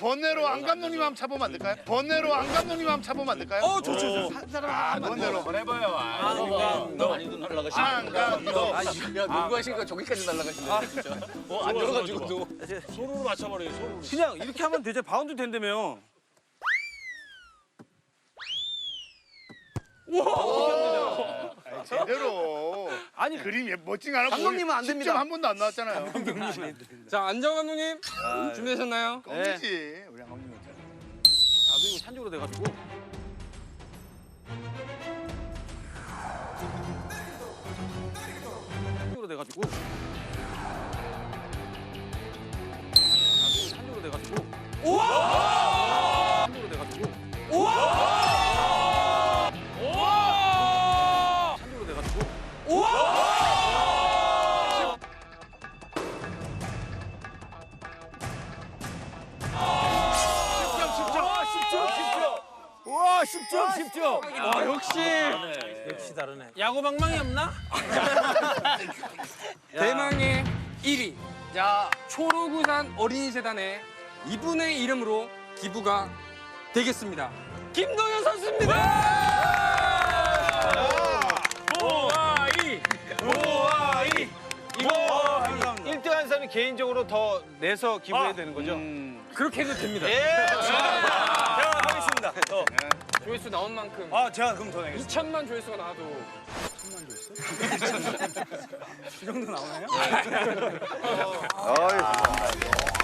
번외로 안 감독님 한번 차보면 안 될까요? 번외로 안 감독님 한번 차보면 안 될까요? 좋죠. 한 사람 번외로. 해봐요. 많이도 날라가시네. 안감독. 야, 농구 하시니까 저기까지 날라가시네, 진짜. 안 들어가지고도. 손으로 맞춰버려요. 손으로. 그냥 이렇게 하면 되죠. 바운드 된다며. 제대로. 아니 그림 멋진 거 하나 감독님은 안 됩니다. 10점 한 번도 안 나왔잖아요. 자, 안정 감독님 준비되셨나요? 껌이지. 우리 감독님. 나도 이거 산적으로 돼가지고. 산적으로 돼가지고. 나도 이거 산적으로 돼가지고. 우와! 산적으로 돼가지고. 우와! 우와! 산적으로 돼가지고. 우와! 와, 10점. 아, 역시 다르네. 야구 방망이 없나? 대망의 1위. 자, 초록우산 어린이재단의 이분의 이름으로 기부가 되겠습니다. 김동현 선수입니다. 오아이. 이거 1등한 사람이 개인적으로 더 내서 기부해야 되는 거죠? 그렇게 해도 됩니다. 제가 하겠습니다. 조회수 나온 만큼 제가 그럼 더 내겠습니다. 2천만 조회수가 나와도 이 정도 나오나요? 아유, 감사합니다.